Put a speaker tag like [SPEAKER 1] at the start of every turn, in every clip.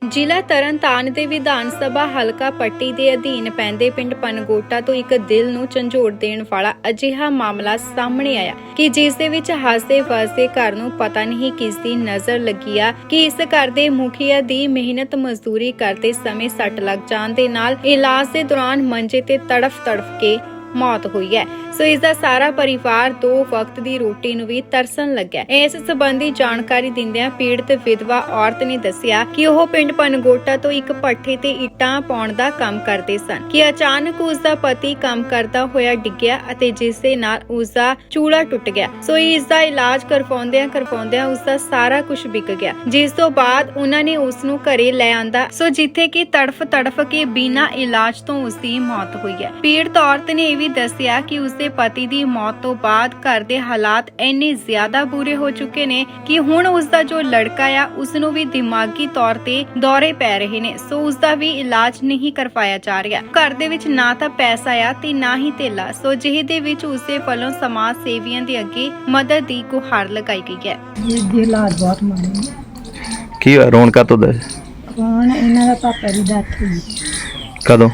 [SPEAKER 1] ਜ਼ਿਲ੍ਹਾ ਤਰਨਤਾਰਨ ਦੇ ਵਿਧਾਨ ਸਭਾ ਹਲਕਾ ਪੱਟੀ ਦੇ ਅਧੀਨ ਪੈਂਦੇ ਪਿੰਡ ਪਨਗੋਟਾ ਤੋਂ ਇੱਕ ਦਿਲ ਨੂੰ ਝੰਜੋੜ ਦੇਣ ਵਾਲਾ ਅਜਿਹਾ ਮਾਮਲਾ ਸਾਹਮਣੇ ਆਇਆ ਕਿ ਜਿਸ ਦੇ ਵਿੱਚ ਹੱਸਦੇ-ਵਸਦੇ ਘਰ ਨੂੰ ਪਤਾ ਨਹੀਂ ਕਿਸ ਦੀ ਨਜ਼ਰ ਲੱਗੀ ਆ ਕਿ ਇਸ ਘਰ ਦੇ ਮੁਖੀਆ ਦੀ ਮਿਹਨਤ ਮਜ਼ਦੂਰੀ ਕਰਦੇ ਸਮੇਂ ਸੱਟ ਲੱਗ ਜਾਣ ਦੇ ਨਾਲ ਇਲਾਜ ਦੇ ਦੌਰਾਨ ਮੰਜੇ ਤੇ ਤੜਫ ਕੇ मौत हुई है। सो इसका सारा परिवार दो वक्त की रोटी नूं भी तरसन लग्या। इस संबंधी जानकारी दिंदियां पीड़ित विधवा औरत ने दस्सिया कि ओह पिंड पनगोटा तो एक भट्ठे ते इट्टां पाउण दा काम करदे सन कि अचानक उसका पति काम करदा होया डिग्गिया अते जिस दे नाल उसका चूड़ा टुट गया। सो इसका इलाज करवाउंदियां उसका सारा कुछ बिक गया, जिस तो बाद उन्होंने उसनूं घरे लै आंदा। सो जिथे कि तड़फ के बिना इलाज तो उसकी मौत हुई है। पीड़ित औरत ने दस्सिया कि उसके पति की मौत तो बाद घर के हालात इन्ने ज्यादा बुरे हो चुके ने कि हुण उसका जो लड़का आ उसनूं भी दिमागी तौर ते दौरे पै रहे ने। सो उसका भी इलाज नहीं करवाया जा रहा। घर दे विच ना तां पैसा आ ते ना ही धेला। सो जिहे दे विच उसदे वल्लों समाज सेवियां दे अगे मदद की गुहार लगाई गई है।
[SPEAKER 2] ये हालात बहुत माड़े ने।
[SPEAKER 3] की रोन का तो दे
[SPEAKER 2] कौन इन्हां दा पापा दी डेथ हुई
[SPEAKER 3] कदों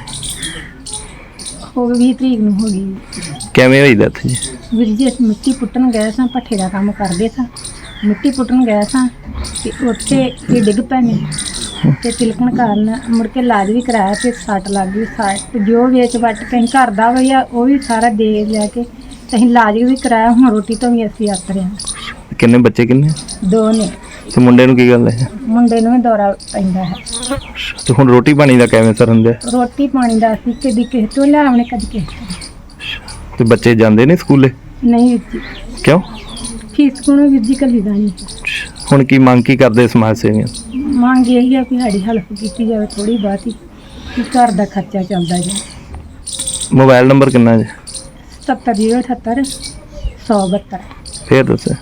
[SPEAKER 2] हो गई 20 तरीक ਨੂੰ ਹੋ ਗਈ।
[SPEAKER 3] ਕਿਵੇਂ ਹੋਈ ਡੈਥ ਜੀ?
[SPEAKER 2] ਵੀਰ ਜੀ ਅਸੀਂ ਮਿੱਟੀ ਪੁੱਟਣ ਗਏ ਸਾਂ, ਭੱਠੇ ਦਾ ਕੰਮ ਕਰਦੇ ਸਾਂ, ਮਿੱਟੀ ਪੁੱਟਣ ਗਏ ਸਾਂ ਤੇ ਉੱਥੇ ਇਹ ਡਿੱਗ ਪਏ ਨੇ ਤੇ ਤਿਲਕਣ ਕਾਰਨ ਮੁੜ ਕੇ ਇਲਾਜ ਵੀ ਕਰਾਇਆ ਤੇ ਸੱਟ ਲੱਗ ਗਈ। ਸੱਟ ਜੋ ਵੇਚ ਵੱਟ ਕੇ ਘਰ ਦਾ ਵਈਆ ਉਹ ਵੀ ਸਾਰਾ ਦੇ ਲੈ ਕੇ ਅਸੀਂ ਇਲਾਜ ਵੀ ਕਰਾਇਆ। ਹੁਣ ਰੋਟੀ ਤੋਂ ਵੀ ਅਸੀਂ ਆਪ ਰਹੇ ਹਾਂ।
[SPEAKER 3] ਕਿੰਨੇ ਬੱਚੇ ਕਿੰਨੇ?
[SPEAKER 2] 2 ਨੇ।
[SPEAKER 3] ਤੇ ਮੁੰਡੇ ਨੂੰ ਕੀ ਗੱਲ ਹੈ?
[SPEAKER 2] ਮੁੰਡੇ ਨੂੰ ਵੀ ਦੌਰਾ ਪੈਂਦਾ ਹੈ।
[SPEAKER 3] ਤੇ ਹੁਣ ਰੋਟੀ ਪਾਣੀ ਦਾ ਕਿਵੇਂ ਸਰਨ ਦਿਆ?
[SPEAKER 2] ਰੋਟੀ ਪਾਣੀ ਦਾ ਅਸੀਂ ਕਦੀ ਕਿਸੇ ਤੋਂ ਲਿਆਉਣੇ ਕਦੀ ਕਿਸੇ ਤੋਂ।
[SPEAKER 3] ਤੇ ਬੱਚੇ ਜਾਂਦੇ ਨੇ ਸਕੂਲੇ?
[SPEAKER 2] ਨਹੀਂ ਵੀਰ ਜੀ।
[SPEAKER 3] ਕਿਉਂ?
[SPEAKER 2] ਫੀਸ ਕੋਲੋਂ ਵੀਰ ਜੀ ਘੱਲੀ ਦਾ ਨਹੀਂ।
[SPEAKER 3] ਹੁਣ ਕੀ ਮੰਗ ਕੀ ਕਰਦੇ ਸਮਾਜ ਸੇਵੀਆਂ?
[SPEAKER 2] ਮੰਗ ਇਹੀ ਆ ਕਿ ਸਾਡੀ ਹੈਲਪ ਕੀਤੀ ਜਾਵੇ ਥੋੜੀ ਬਹੁਤੀ ਕਿ ਘਰ ਦਾ ਖਰਚਾ ਚੱਲਦਾ ਜੀ।
[SPEAKER 3] ਮੋਬਾਈਲ ਨੰਬਰ ਕਿੰਨਾ ਜੀ?
[SPEAKER 2] 70078 172।
[SPEAKER 3] ਫੇਰ ਦੱਸੋ।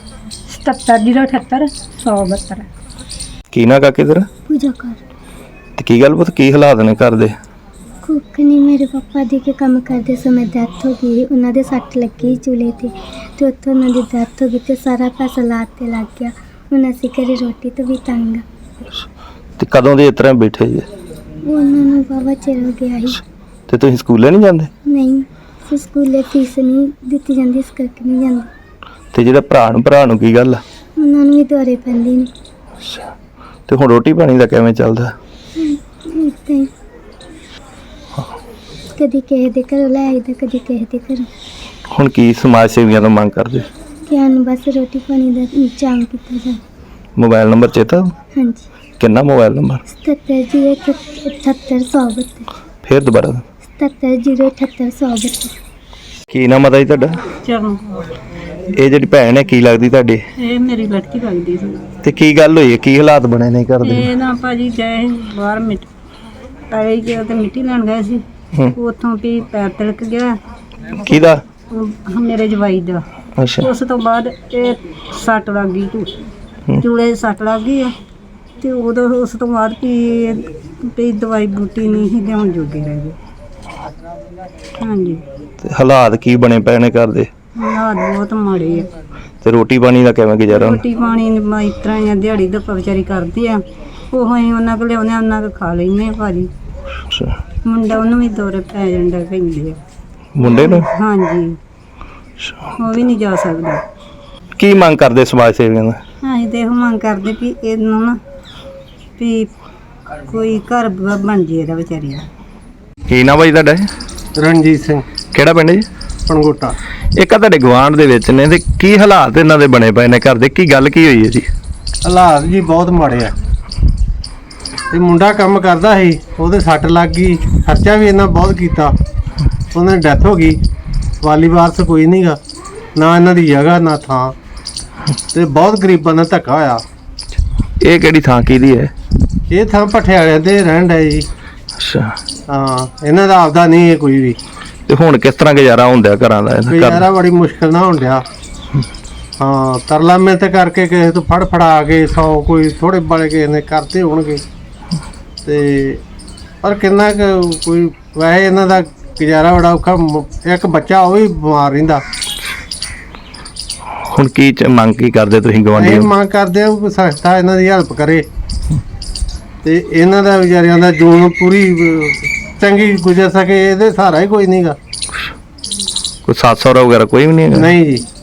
[SPEAKER 2] 70078 172।
[SPEAKER 3] ਕੀ ਨਾ ਕਾਕੇ ਤੇਰਾ?
[SPEAKER 4] पूजा कर
[SPEAKER 3] ਤੇ ਕੀ ਗੱਲ ਪੁੱਤ, ਕੀ ਹਾਲਾਤ ਨੇ ਘਰ ਦੇ?
[SPEAKER 4] कुछ नहीं, मेरे पापा जी के काम करते समय डेथ हो गई। उन्होंने सट लगी चूल्हे थे तो उत्थों उन्होंने डेथ हो गई तो सारा पैसा लाते लग गया। उन्हें असी घरे रोटी तो भी तंग
[SPEAKER 3] ਤੇ ਕਦੋਂ ਦੇ ਇਸ ਤਰ੍ਹਾਂ ਬੈਠੇ ਜੀ?
[SPEAKER 4] उन्होंने बाबा चिर हो गया ही।
[SPEAKER 3] ਤੇ ਤੁਸੀਂ ਸਕੂਲੇ ਨਹੀਂ ਜਾਂਦੇ?
[SPEAKER 4] नहीं फिर स्कूले फीस नहीं दी जाती, इस करके नहीं जाती।
[SPEAKER 3] ਤੇ ਜਿਹੜਾ ਭਰਾ ਨੂੰ ਕੀ ਗੱਲ ਆ?
[SPEAKER 4] उन्होंने भी दौरे पैंदे ने।
[SPEAKER 3] ਤੇ ਹੁਣ ਰੋਟੀ ਪਾਣੀ ਦਾ ਕਿਵੇਂ ਚੱਲਦਾ?
[SPEAKER 4] इदां ही कदी किसी दे घरों लै आईदा, कदी किसी दे घरों।
[SPEAKER 3] ਹੁਣ ਕੀ ਸਮਾਜ ਸੇਵੀਆਂ ਤੋਂ ਮੰਗ ਕਰਦੇ?
[SPEAKER 4] कि सानूं बस रोटी पानी दा इंतजाम किया जाए।
[SPEAKER 3] ਮੋਬਾਈਲ ਨੰਬਰ ਚੇਤਾ?
[SPEAKER 4] हाँ जी।
[SPEAKER 3] ਕਿੰਨਾ ਮੋਬਾਈਲ ਨੰਬਰ?
[SPEAKER 4] 77 078
[SPEAKER 3] ਫੇਰ ਦੁਬਾਰਾ
[SPEAKER 4] 77 078
[SPEAKER 3] ਕੀ ਨਾਮ ਆ ਜੀ ਤੁਹਾਡਾ?
[SPEAKER 2] ਚਲੋ
[SPEAKER 3] ਇਹ ਜਿਹੜੀ ਭੈਣ ਹੈ ਕੀ ਲੱਗਦੀ ਤੁਹਾਡੀ?
[SPEAKER 2] ਇਹ ਮੇਰੀ ਲੜਕੀ ਲੱਗਦੀ ਸੀ।
[SPEAKER 3] ਤੇ ਕੀ ਗੱਲ ਹੋਈ ਹੈ, ਕੀ ਹਾਲਾਤ ਬਣੇ ਨੇ ਘਰ ਦੇ?
[SPEAKER 2] ਇਹ ਨਾ ਭਾਜੀ ਗਏ ਬਾਹਰ ਆਏ ਕਿ ਤੇ ਮਿੱਟੀ ਲੈਣ ਗਏ ਸੀ। ਉੱਥੋਂ ਵੀ ਪੈਰ ਤਿਲਕ ਗਿਆ।
[SPEAKER 3] ਕਿਹਦਾ?
[SPEAKER 2] ਮੇਰੇ ਜਵਾਈ ਦਾ।
[SPEAKER 3] ਅੱਛਾ।
[SPEAKER 2] ਉਸ ਤੋਂ ਬਾਅਦ ਇਹ ਸੱਟ ਲੱਗ ਗਈ, ਚੂਲੇ ਸੱਟ ਲੱਗ ਗਈ ਆ ਤੇ ਉਦੋਂ ਉਸ ਤੋਂ ਬਾਅਦ ਵੀ ਦਵਾਈ ਬੂਟੀ ਨਹੀਂ ਸੀ ਲਿਆਉਣ ਜੋਗੇ ਰਹਿ ਗਏ। ਹਾਂਜੀ।
[SPEAKER 3] ਤੇ ਹਾਲਾਤ ਕੀ ਬਣੇ ਪਏ ਨੇ ਘਰ ਦੇ?
[SPEAKER 2] ਹਾਲਾਤ ਬਹੁਤ ਮਾੜੇ ਆ।
[SPEAKER 3] ਤੇ ਰੋਟੀ ਪਾਣੀ ਦਾ ਕਿਵੇਂ ਗੁਜ਼ਾਰਾ?
[SPEAKER 2] ਰੋਟੀ ਪਾਣੀ ਇਸ ਤਰ੍ਹਾਂ ਹੀ ਆ, ਦਿਹਾੜੀ ਦਾ ਵਿਚਾਰੀ ਕਰਦੀ ਆ। ਉਹ ਅਸੀਂ ਉਹਨਾਂ ਕੋਲ ਲਿਆਉਂਦੇ ਆ, ਉਹਨਾਂ ਕੋਲ ਖਾ ਲੈਂਦੇ ਆ ਭਾਜੀ।
[SPEAKER 3] ਅੱਛਾ।
[SPEAKER 2] ਮੁੰਡਾ ਉਹਨੂੰ ਵੀ ਦੌਰੇ ਪੈ ਜਾਂਦਾ ਪੈਂਦੇ ਆ।
[SPEAKER 3] ਮੁੰਡੇ ਨੂੰ?
[SPEAKER 2] ਹਾਂਜੀ। ਉਹ ਵੀ ਨਹੀਂ ਜਾ ਸਕਦਾ।
[SPEAKER 3] ਕੀ ਮੰਗ ਕਰਦੇ ਸਮਾਜ ਸੇਵੀਆਂ ਦਾ?
[SPEAKER 2] ਅਸੀਂ ਤੇ ਇਹੋ ਮੰਗ ਕਰਦੇ ਵੀ ਇਹਨੂੰ ਨਾ ਵੀ ਕੋਈ ਘਰ ਬਣ ਜੇ ਇਹਦਾ ਵਿਚਾਰੀ ਦਾ।
[SPEAKER 3] ਕੀ ਨਾ ਭਾਈ ਤੁਹਾਡਾ?
[SPEAKER 5] ਰਣਜੀਤ ਸਿੰਘ,
[SPEAKER 3] ਕਿਹੜਾ ਪਿੰਡ ਜੀ?
[SPEAKER 5] ਪਨਗੋਟਾ।
[SPEAKER 3] ਇੱਕ ਆ ਤੁਹਾਡੇ ਗੁਆਂਢ ਦੇ ਵਿੱਚ ਨੇ, ਤੇ ਕੀ ਹਾਲਾਤ ਇਹਨਾਂ ਦੇ ਬਣੇ ਪਏ ਨੇ ਘਰ ਦੇ? ਕੀ ਗੱਲ ਕੀ ਹੋਈ ਹੈ ਜੀ?
[SPEAKER 5] ਹਾਲਾਤ ਜੀ ਬਹੁਤ ਮਾੜੇ ਆ। ਇਹ ਮੁੰਡਾ ਕੰਮ ਕਰਦਾ ਸੀ, ਉਹਦੇ ਸੱਟ ਲੱਗ ਗਈ, ਖਰਚਾ ਵੀ ਇਹਨਾਂ ਬਹੁਤ ਕੀਤਾ, ਉਹਨਾਂ ਦੀ ਡੈਥ ਹੋ ਗਈ। ਵਾਲੀ ਵਾਰਸ ਕੋਈ ਨਹੀਂਗਾ, ਨਾ ਇਹਨਾਂ ਦੀ ਜਗ੍ਹਾ ਨਾ ਥਾਂ, ਤੇ ਬਹੁਤ ਗਰੀਬਾਂ ਦਾ ਧੱਕਾ ਹੋਇਆ।
[SPEAKER 3] ਇਹ ਕਿਹੜੀ ਥਾਂ ਕਿਹਦੀ ਹੈ?
[SPEAKER 5] ਇਹ ਥਾਂ ਭੱਠੇ ਵਾਲਿਆਂ ਦੇ ਰਹਿਣ ਡਏ ਜੀ।
[SPEAKER 3] ਅੱਛਾ।
[SPEAKER 5] ਹਾਂ, ਇਹਨਾਂ ਦਾ ਆਪਦਾ ਨਹੀਂ ਹੈ ਕੋਈ ਵੀ।
[SPEAKER 3] ਤੇ ਹੁਣ ਕਿਸ ਤਰ੍ਹਾਂ ਗੁਜ਼ਾਰਾ ਹੁੰਦਾ ਘਰਾਂ ਦਾ?
[SPEAKER 5] ਗੁਜ਼ਾਰਾ ਬੜੀ ਮੁਸ਼ਕਿਲ ਨਾਲ ਹੋਣ ਡਿਆ। ਹਾਂ, ਤਰਲਾ ਮਿਹਨਤ ਕਰਕੇ ਕਿਸੇ ਤੋਂ ਫੜਾ ਕੇ 100 ਕੋਈ ਥੋੜੇ ਬਾਲੇ ਕਿਸੇ ਨੇ ਕਰਤੇ ਹੋਣਗੇ ਤੇ ਪਰ ਕਿੰਨਾ ਕੁ ਕੋਈ ਵੈਸੇ ਇਹਨਾਂ ਦਾ ਗੁਜ਼ਾਰਾ ਬੜਾ ਔਖਾ। ਇੱਕ ਬੱਚਾ ਉਹ ਵੀ ਬਿਮਾਰ ਰਹਿੰਦਾ।
[SPEAKER 3] ਹੁਣ ਕੀ ਮੰਗ ਕੀ ਕਰਦੇ ਤੁਸੀਂ ਗਵਾਂਢੀ?
[SPEAKER 5] ਇਹ ਮੰਗ ਕਰਦੇ ਆ ਕਿ ਸੰਸਥਾ ਇਹਨਾਂ ਦੀ ਹੈਲਪ ਕਰੇ ਤੇ ਇਹਨਾਂ ਦਾ ਵਿਚਾਰਿਆਂ ਦਾ ਜੂਨ ਪੂਰੀ ਚੰਗੀ ਗੁਜ਼ਰ ਸਕੇ ਇਹਦੇ ਸਹਾਰਾ ਹੀ ਕੋਈ ਨਹੀਂਗਾ।
[SPEAKER 3] ਕੋਈ ਸਾਥ ਸਹੁਰਾ ਵਗੈਰਾ ਕੋਈ ਵੀ ਨਹੀਂ ਹੈਗਾ?
[SPEAKER 5] ਨਹੀਂ ਜੀ।